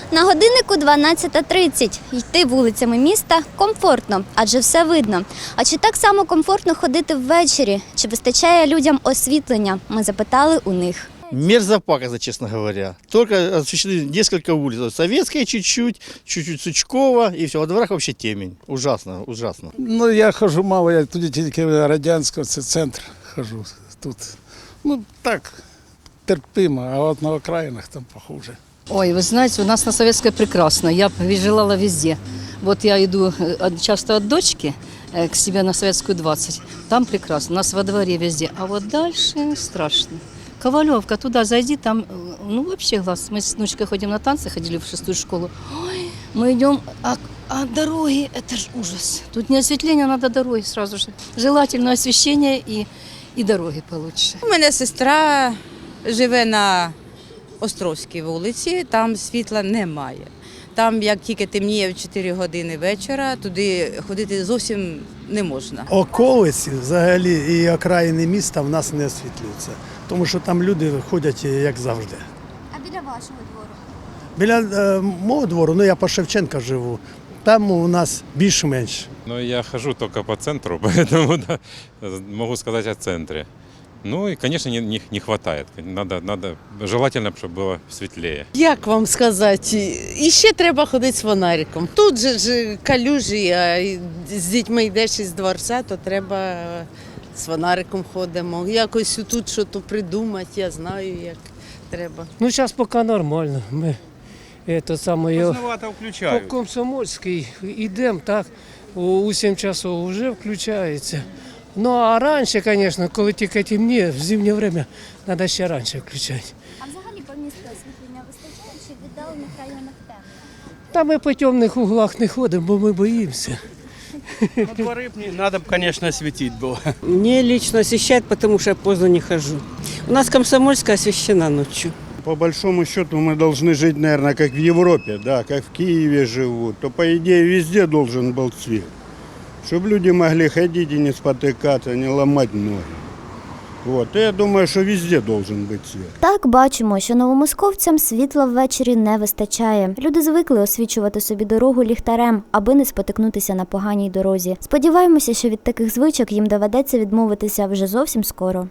На годиннику 12:30. Йти вулицями міста комфортно, адже все видно. А чи так само комфортно ходити ввечері? Чи вистачає людям освітлення? Ми запитали у них. Мерзопакость, честно говоря. Только освещены несколько улиц. Советская чуть-чуть, чуть-чуть Сучкова, и все. Во дворах вообще темень. Ужасно, ужасно. Ну, я хожу мало, я туди тільки Радянського, це центр хожу тут. Ну, так, терпимо, а от на окраїнах там похуже. Ой, вы знаете, у нас на Советской прекрасно. Я желала везде. Вот я иду часто от дочки к себе на Советскую 20. Там прекрасно. У нас во дворе везде. А вот дальше страшно. Ковалевка, туда зайди, там, ну вообще глаз. Мы с внучкой ходим на танцы, ходили в 6-ю школу. Ой, мы идем, а дороги, это ж ужас. Тут не осветление, надо дороги сразу же. Желательно освещение и дороги получше. У мене сестра живе на Островській вулиці, там світла немає. Там, як тільки темніє в 4 години вечора, туди ходити зовсім не можна. Околиці взагалі і окраїни міста в нас не освітлюються, тому що там люди ходять як завжди. А біля вашого двору? Біля мого двору, ну я по Шевченка живу, там у нас більш-менш. Ну, я хожу только по центру, поэтому да, могу сказать о центре. Ну и, конечно, не хватает. Надо желательно, чтобы было светлее. Як вам сказати, і ще треба ходити з фонариком. Тут же ж калюжі, а з дітьми йдеш із дворця, то треба з фонариком ходимо. Якось тут щось придумати, я знаю, як треба. Ну, сейчас пока нормально. Мы это самое, Поздновато включаю. по Комсомольській йдемо, так, у 7 часов вже включається. Ну, а раніше, звісно, коли тільки темніє, в зимнє время, треба ще раніше включати. А взагалі по місту освітлення вистачає чи в віддалених районах темно? Та ми по темних углах не ходимо, бо ми боїмося. Ну, дворы надо, конечно, осветить было. Мне лично освещают, потому что я поздно не хожу. У нас Комсомольская освещена ночью. По большому счету мы должны жить, наверное, как в Европе, да, как в Киеве живут. То, по идее, везде должен был свет. Чтобы люди могли ходить и не спотыкаться, не ломать ноги. Вот. И я думаю, что везде должен быть свет. Так, бачимо, що новомосковцям світла ввечері не вистачає. Люди звикли освічувати собі дорогу ліхтарем, аби не спотикнутися на поганій дорозі. Сподіваємося, що від таких звичок їм доведеться відмовитися вже зовсім скоро.